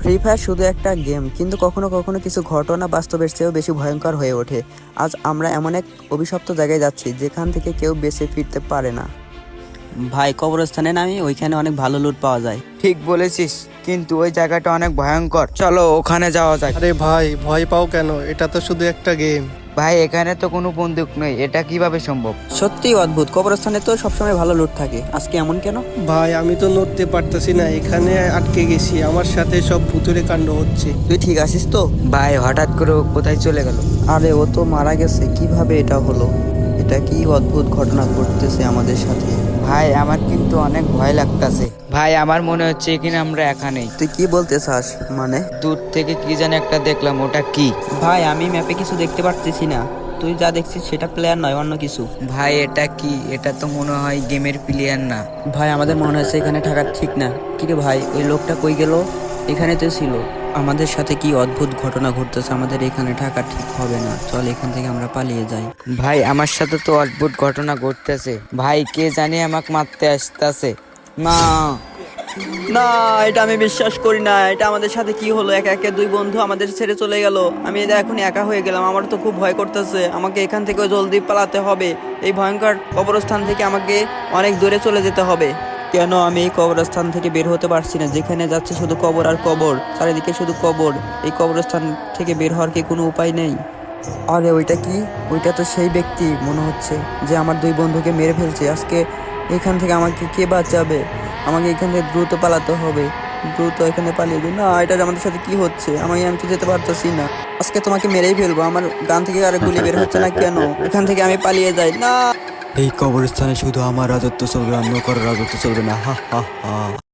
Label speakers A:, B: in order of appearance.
A: Free fire শুধু একটা game, কিন্তু কখনো কখনো কিছু ঘটনা বাস্তবের চেয়েও বেশি ভয়ঙ্কর হয়ে ওঠে। আজ আমরা এমন এক অভিশপ্ত জায়গায় যাচ্ছি যেখান থেকে কেউ বেঁচে ফিরতে পারে না। ভাই, কবরস্থানে নামি, ওইখানে অনেক ভালো লুট পাওয়া যায়।
B: ঠিক বলেছিস, কিন্তু ওই জায়গাটা অনেক ভয়ঙ্কর। চলো ওখানে যাওয়া যাক।
C: আরে ভাই, ভয় পাও কেন? এটা তো শুধু একটা গেম।
B: ভাই, এখানে তো কোনো বন্দুক নেই, এটা কিভাবে সম্ভব?
A: সত্যিই অদ্ভুত, কবরস্থানে তো সবসময় ভালো লুট থাকে, আজকে এমন কেন?
C: ভাই, আমি তো নড়তে পারতেছি না, এখানে আটকে গেছি। আমার সাথে সব ভুতুরে কাণ্ড হচ্ছে।
A: তুই ঠিক আছিস তো?
B: ভাই, হঠাৎ করে ও কোথায় চলে গেল?
A: আরে ও তো মারা গেছে, কিভাবে এটা হলো? এটা কি অদ্ভুত ঘটনা ঘটতেছে আমাদের সাথে।
B: ভাই, আমার কিন্তু অনেক ভয় লাগতাছে। ভাই, আমার মনে হচ্ছে কিনা আমরা এখানেই।
A: তুই কি বলতে চাস? মানে
B: দূর থেকে কি জানি একটা দেখলাম, ওটা কি?
A: ভাই, আমি ম্যাপে কিছু দেখতে পারতেছি না। তুই যা দেখছিস সেটা প্লেয়ার নয়, অন্য কিছু।
B: ভাই, এটা কি? এটা তো মনে হয় গেমের প্লেয়ার না।
A: ভাই, আমাদের মনে হচ্ছে এখানে থাকা ঠিক না। কি রে ভাই, ওই লোকটা কই গেল? এখানে তো ছিল। আমাদের সাথে কি অদ্ভুত ঘটনা ঘটতেছে, আমাদের এখানে থাকা ঠিক হবে না। চল এখান থেকে আমরা পালিয়ে যাই।
B: ভাই, আমার সাথে তো অদ্ভুত ঘটনা ঘটতেছে। ভাই, কে জানি আমাকে মারতে আসতেছে। না,
A: না, এটা আমি বিশ্বাস করি না। এটা আমাদের সাথে কি হলো? একা একা দুই বন্ধু আমাদের ছেড়ে চলে গেল। আমি এটা এখন একা হয়ে গেলাম। আমার তো খুব ভয় করতেছে। আমাকে এখান থেকে জলদি পালাতে হবে। এই ভয়ঙ্কর কবরস্থান থেকে আমাকে অনেক দূরে চলে যেতে হবে। কেন আমি এই কবরস্থান থেকে বের হতে পারছি না? যেখানে যাচ্ছে শুধু কবর আর কবর, চারিদিকে শুধু কবর। এই কবরস্থান থেকে বের হওয়ার কি কোনো উপায় নেই? আরে ওইটা কি? ওইটা তো সেই ব্যক্তি মনে হচ্ছে যে আমার দুই বন্ধুকে মেরে ফেলছে। আজকে এখান থেকে আমাকে কে বাঁচাবে? আমাকে এখান থেকে দ্রুত পালাতে হবে। দ্রুত এখানে পালিয়ে যাই। না, এটা আমাদের সাথে কি হচ্ছে? আমি তো যেতে পারতেছি না। আজকে তোমাকে মেরেই ফেলবো। আমার গান থেকে আর গুলি বের হচ্ছে না কেন? এখান থেকে আমি পালিয়ে যাই। না,
D: এই কবরস্থানে শুধু আমার রাজত্ব চলবে, অন্য কারো রাজত্ব চলবে না। হা হা হা।